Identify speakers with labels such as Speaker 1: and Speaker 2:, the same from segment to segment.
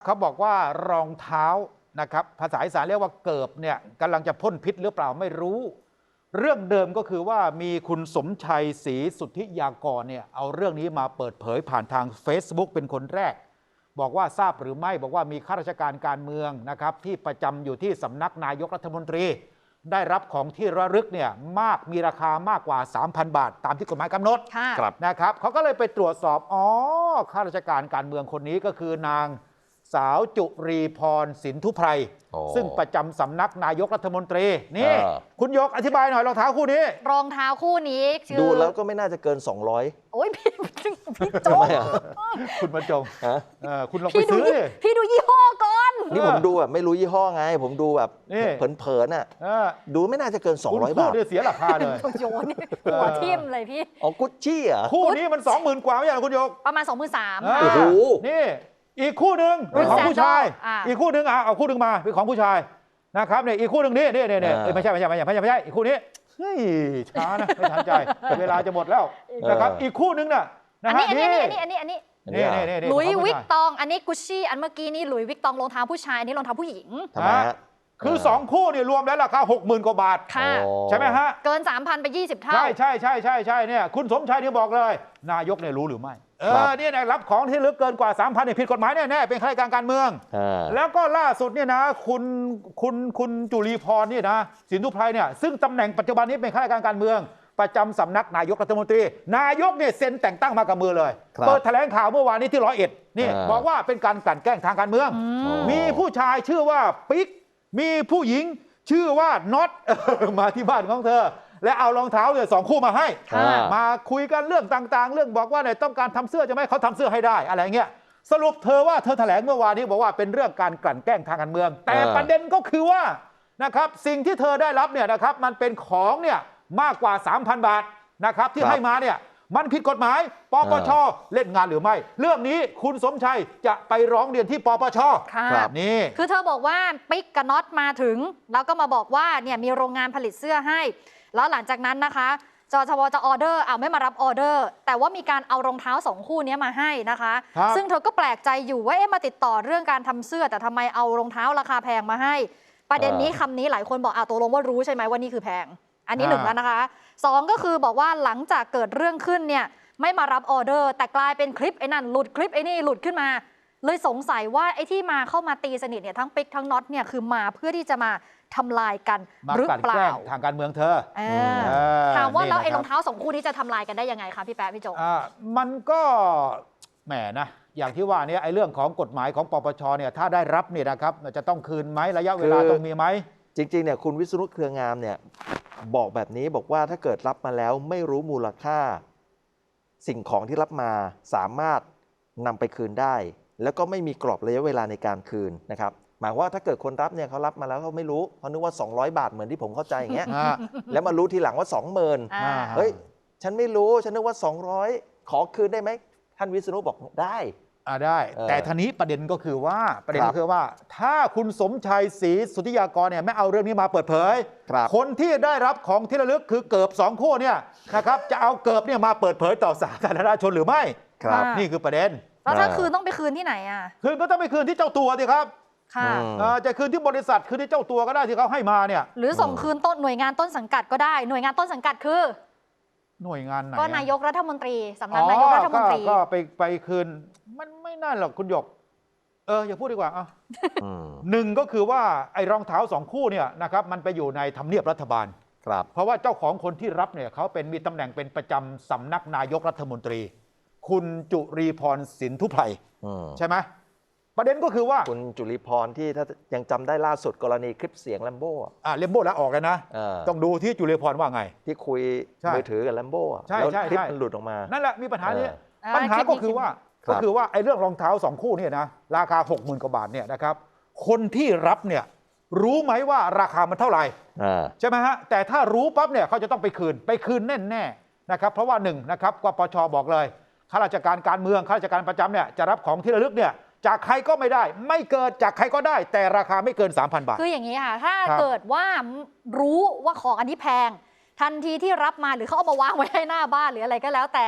Speaker 1: เขาบอกว่ารองเท้านะครับภาษาอีสานเรียกว่าเกิบเนี่ยกำลังจะพ่นพิษหรือเปล่าไม่รู้เรื่องเดิมก็คือว่ามีคุณสมชัยศรีสุทธิยากรเนี่ยเอาเรื่องนี้มาเปิดเผยผ่านทาง Facebook เป็นคนแรกบอกว่าทราบหรือไม่บอกว่ามีข้าราชการการเมืองนะครับที่ประจำอยู่ที่สำนักนายกรัฐมนตรีได้รับของที่ระลึกเนี่ยมีราคามากกว่า 3,000 บาทตามที่กฎหมายกำหนดนะครับเขาก็เลยไปตรวจสอบข้าราชการการเมืองคนนี้ก็คือนางสาวจุรีพรสินธุไพรซึ่งประจำสำนักนายกรัฐมนตรีนี่คุณยกอธิบายหน่อยรองเท้าคู่นี้
Speaker 2: รองเท้าคู่นี้
Speaker 3: ดูแล้วก็ไม่น่าจะเกิน200
Speaker 2: โอ้ยพี่โจง
Speaker 1: คุณบรรจงคุณลองไปซื้อ
Speaker 2: พี่ดูยี่ห้อก่อน
Speaker 3: นี่ผมดูแบบไม่รู้ยี่ห้อไงผมดูแบบเผินๆน่ะดูไม่น่าจะเกิน200 บาท
Speaker 1: เสียราคาเลย
Speaker 2: โยนหัวทิ่มเลยพี่
Speaker 3: กุชชี่อ่ะ
Speaker 1: คู่นี้มัน 20,000 กว่าไม่ใช่หรอคุณยก
Speaker 2: ประมาณ 23,000
Speaker 3: โอ้โห
Speaker 1: นี่อีกคู่หนึ่งเป็นของผู้ชายอีกคู่หนึ่งเอาคู่หนึ่งมาเป็นของผู้ชายนะครับเนี่ยอีกคู่หนึ่งนี่ไม่ใช่อีกคู่นี้เฮ้ยช้านะไม่ทันใจเวลาจะหมดแล้วนะครับอีกคู่หนึ่งน่ะ
Speaker 2: อันนี้หลุยวิกตองอันนี้กุชชี่อันเมื่อกี้นี่หลุยวิกตองรองเท้าผู้ชายอันนี้รองเท้าผู้หญิง
Speaker 3: ทำไมฮะ
Speaker 1: คือ2คู่เนี่ยรวมแล้วราคา 60,000 กว่าบาทใช่ไหมฮะ
Speaker 2: เกิน 3,000 ไป20 เท่า
Speaker 1: ใช่เนี่ยคุณสมชัยเนี่ยบอกเลยนายกเนี่ยรู้หรือไม่เนี่ยรับของที่ลึกเกินกว่า 3,000 เนี่ยผิดกฎหมายแน่ๆเป็นข้าราชการการเมืองแล้วก็ล่าสุดเนี่ยนะคุณจุลีพรเนี่ยนะสินธุไพรเนี่ยซึ่งตำแหน่งปัจจุบันนี้เป็นข้าราชการการเมืองประจำสำนักนายกรัฐมนตรีนายกเนี่ยเซ็นแต่งตั้งมากับมือเลยเปิดแถลงข่าวเมื่อวานนี้ที่101นี่บอกว่าเป็นการกลั่นแกล้งทางการเมืองมีผู้ชายชื่อว่าปิ๊กมีผู้หญิงชื่อว่าน็อตมาที่บ้านของเธอและเอารองเท้าเนี่ย2 คู่มาให้มาคุยกันเรื่องต่างๆเรื่องบอกว่าเนี่ยต้องการทำเสื้อจะไม่เขาทำเสื้อให้ได้อะไรเงี้ยสรุปเธอแถลงเมื่อวานนี้บอกว่าเป็นเรื่องการกลั่นแกล้งทางการเมืองแต่ประเด็นก็คือว่านะครับสิ่งที่เธอได้รับเนี่ยนะครับมันเป็นของเนี่ยมากกว่า 3,000 บาทนะครับที่ให้มาเนี่ยมันผิดกฎหมายปปช.เล่นงานหรือไม่เรื่องนี้คุณสมชัยจะไปร้องเรียนที่ปปช.นี่
Speaker 2: คือเธอบอกว่าปิ๊กกับน็อตมาถึงแล้วก็มาบอกว่าเนี่ยมีโรงงานผลิตเสื้อให้แล้วหลังจากนั้นนะคะจชวจะออเดอร์ไม่มารับออเดอร์แต่ว่ามีการเอารองเท้า2 คู่นี้มาให้นะคะซึ่งเธอก็แปลกใจอยู่ว่ามาติดต่อเรื่องการทำเสื้อแต่ทำไมเอารองเท้าราคาแพงมาให้ประเด็นนี้คำนี้หลายคนบอกตกลงว่ารู้ใช่ไหมว่านี่คือแพงอันนี้1แล้วนะคะ2ก็คือบอกว่าหลังจากเกิดเรื่องขึ้นเนี่ยไม่มารับออเดอร์แต่กลายเป็นคลิปไอ้นั่นหลุดคลิปไอ้นี่หลุดขึ้นมาเลยสงสัยว่าไอ้ที่มาเข้ามาตีสนิทเนี่ยทั้งปิ๊กทั้งน็อตเนี่ยคือมาเพื่อที่จะมาทำลายกันหรือเปล่า
Speaker 1: ทางการเมืองเธอ
Speaker 2: ถามว่าแล้วไอ้รองเท้า2 คู่นี้จะทำลายกันได้ยังไงคะพี่แป๊ะพี่โจ
Speaker 1: มันก็แหมนะอย่างที่ว่าเนี่ยไอ้เรื่องของกฎหมายของปปชเนี่ยถ้าได้รับเนี่ยนะครับจะต้องคืนไหมระยะเวลาต้องมีไหม
Speaker 3: จริงๆเนี่ยคุณวิษณุเครืองามเนี่ยบอกแบบนี้บอกว่าถ้าเกิดรับมาแล้วไม่รู้มูลค่าสิ่งของที่รับมาสามารถนำไปคืนได้แล้วก็ไม่มีกรอบระยะเวลาในการคืนนะครับหมายว่าถ้าเกิดคนรับเนี่ยเขารับมาแล้วเขาไม่รู้เขานึกว่า200 บาทเหมือนที่ผมเข้าใจอย่างเงี้ยแล้วมารู้ทีหลังว่า 20,000เฮ้ยฉันไม่รู้ฉันนึกว่า200ขอคืนได้ไหมท่านวิษณุบอกได้
Speaker 1: ได้แต่ทีนี้ประเด็นก็คือว่าถ้าคุณสมชัยศรีสุทธิยากรเนี่ยไม่เอาเรื่องนี้มาเปิดเผยคนที่ได้รับของที่ระลึกคือเกิบ2 คู่เนี่ยนะครับจะเอาเกิบเนี่ยมาเปิดเผยต่อสาธารณชนหรือไม่นี่คือประเด็น
Speaker 2: แล้วถ้าคืนต้องไปคืนที่ไหน
Speaker 1: คืนก็ต้องไปคืนที่เจ้าตัวสิครับจะคืนที่บริษัทคืนที่เจ้าตัวก็ได้ที่เขาให้มาเนี่ย
Speaker 2: หรือส่งคืนหน่วยงานต้นสังกัดก็ได้หน่วยงานต้นสังกัดคือ
Speaker 1: หน่วยงานไหน
Speaker 2: ก็นายกรัฐมนตรีสำนักนายกรัฐมนตรี
Speaker 1: ก็ไปคืนมันไม่น่าหรอกคุณหยกอย่าพูดดีกว่าหนึ่งก็คือว่าไอ้รองเท้า2 คู่เนี่ยนะครับมันไปอยู่ในทำเนียบรัฐบาลเพราะว่าเจ้าของคนที่รับเนี่ยเขามีตำแหน่งเป็นประจำสำนักนายกรัฐมนตรีคุณจุรีพรสินธุไพรใช่ไหมประเด็นก็คือว่า
Speaker 3: คุณจุลีพรที่ถ้ายังจำได้ล่าสุดกรณีคลิปเสียงแลมโบ้
Speaker 1: แลมโบ้แล้วออกกันนะต้องดูที่จุลีพรว่าไง
Speaker 3: ที่คุยมือถือกับแลมโบ้
Speaker 1: แล้ว
Speaker 3: คลิปมันหลุดออกมา
Speaker 1: นั่นแหละมีปัญหานี้ปัญหาก็คือว่าไอ้เรื่องรองเท้า2 คู่เนี่ยนะราคา 60,000 กว่าบาทเนี่ยนะครับคนที่รับเนี่ยรู้ไหมว่าราคามันเท่าไหร่ใช่ไหมฮะแต่ถ้ารู้ปั๊บเนี่ยเขาจะต้องไปคืนแน่ๆนะครับเพราะว่า1นะครับปปช.บอกเลยข้าราชการการเมืองข้าราชการประจำเนี่ยจะรับของที่ระลึกเนี่ยจากใครก็ไม่ได้ไม่เกินจากใครก็ได้แต่ราคาไม่เกิน 3,000 บาท
Speaker 2: คืออย่างนี้ค่ะถ้าเกิดว่ารู้ว่าของอันนี้แพงทันทีที่รับมาหรือเขาเอามาวางไว้ให้หน้าบ้านหรืออะไรก็แล้วแต่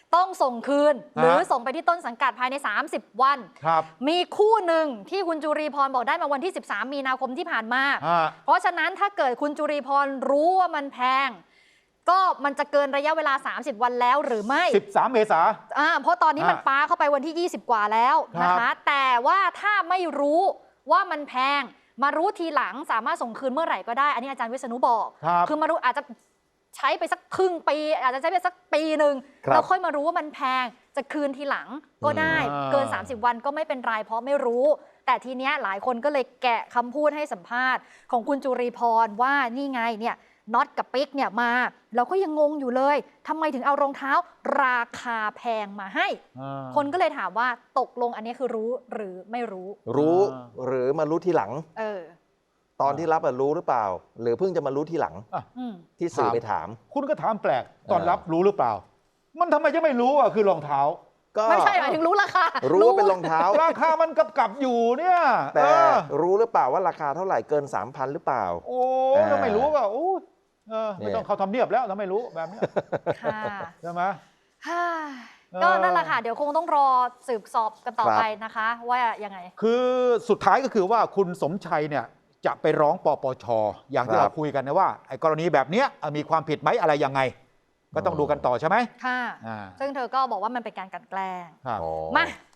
Speaker 2: ต้องส่งคืน หรือส่งไปที่ต้นสังกัดภายใน 30 วัน
Speaker 1: ครับ
Speaker 2: มีคู่หนึ่งที่คุณจุรีพรบอกได้มาวันที่ 13 มีนาคมที่ผ่านมา เพราะฉะนั้นถ้าเกิดคุณจุรีพรรู้ว่ามันแพง ก็มันจะเกินระยะเวลา 30 วันแล้วหรือไม่
Speaker 1: 13 เมษา
Speaker 2: เพราะตอนนี้มันป้าเข้าไปวันที่ 20 กว่าแล้วนะคะ แต่ว่าถ้าไม่รู้ว่ามันแพง มารู้ทีหลังสามารถส่งคืนเมื่อไหร่ก็ได้ อันนี้อาจารย์วิษณุบอก คือมารู้อาจจะใช้ไปสักครึ่งปี อาจจะใช้ไปสักปีหนึ่งแล้วค่อยมารู้ว่ามันแพงจะคืนทีหลังก็ได้เกิน 30 วันก็ไม่เป็นไรเพราะไม่รู้ แต่ทีเนี้ยหลายคนก็เลยแกะคำพูดให้สัมภาษณ์ของคุณจุรีพรว่านี่ไงเนี่ยน็อตกับปิ๊กเนี่ยมาเราก็ยังงงอยู่เลยทำไมถึงเอารองเท้าราคาแพงมาให้ คนก็เลยถามว่าตกลงอันนี้คือรู้หรือไม่รู้
Speaker 3: รู้หรือมารู้ทีหลังตอนที่รับรู้หรือเปล่า หรือเพิ่งจะมารู้ทีหลังที่สื่อไปถาม
Speaker 1: คุณก็ถามแปลกตอนรับรู้หรือเปล่า มันทำไมจะไม่รู้อ่ะคือรองเท้า
Speaker 3: ก็
Speaker 2: ไม่ใช่หมายถึงรู้ราคา
Speaker 3: รู้ว่าเป็นรองเท้า
Speaker 1: ราคามันกับอยู่เนี่ย
Speaker 3: แต่รู้หรือเปล่าว่าราคาเท่าไหร่เกิน 3,000 หรือเปล่า
Speaker 1: โอ้ถ้าไม่รู้ก็โอ้ไม่ต้องเข้าทำเนียบแล้วถ้าไม่รู้แบบนี้
Speaker 2: ค่ะ
Speaker 1: ใช่ไหม
Speaker 2: ก็นั่นแหละค่ะเดี๋ยวคงต้องรอสืบสอบกันต่อไปนะคะ ว่ายังไง
Speaker 1: คือสุดท้ายก็คือว่าคุณสมชัยเนี่ยจะไปร้องปปช.อย่างที่เราคุยกันนะว่าไอ้กรณีแบบนี้มีความผิดไหมอะไรยังไง ก็ต้องดูกันต่อใช่ไหม
Speaker 2: ค่ะ ซึ่งเธอก็บอกว่ามันเป็นการกลั่นแกล้ง
Speaker 1: ครับ
Speaker 2: มา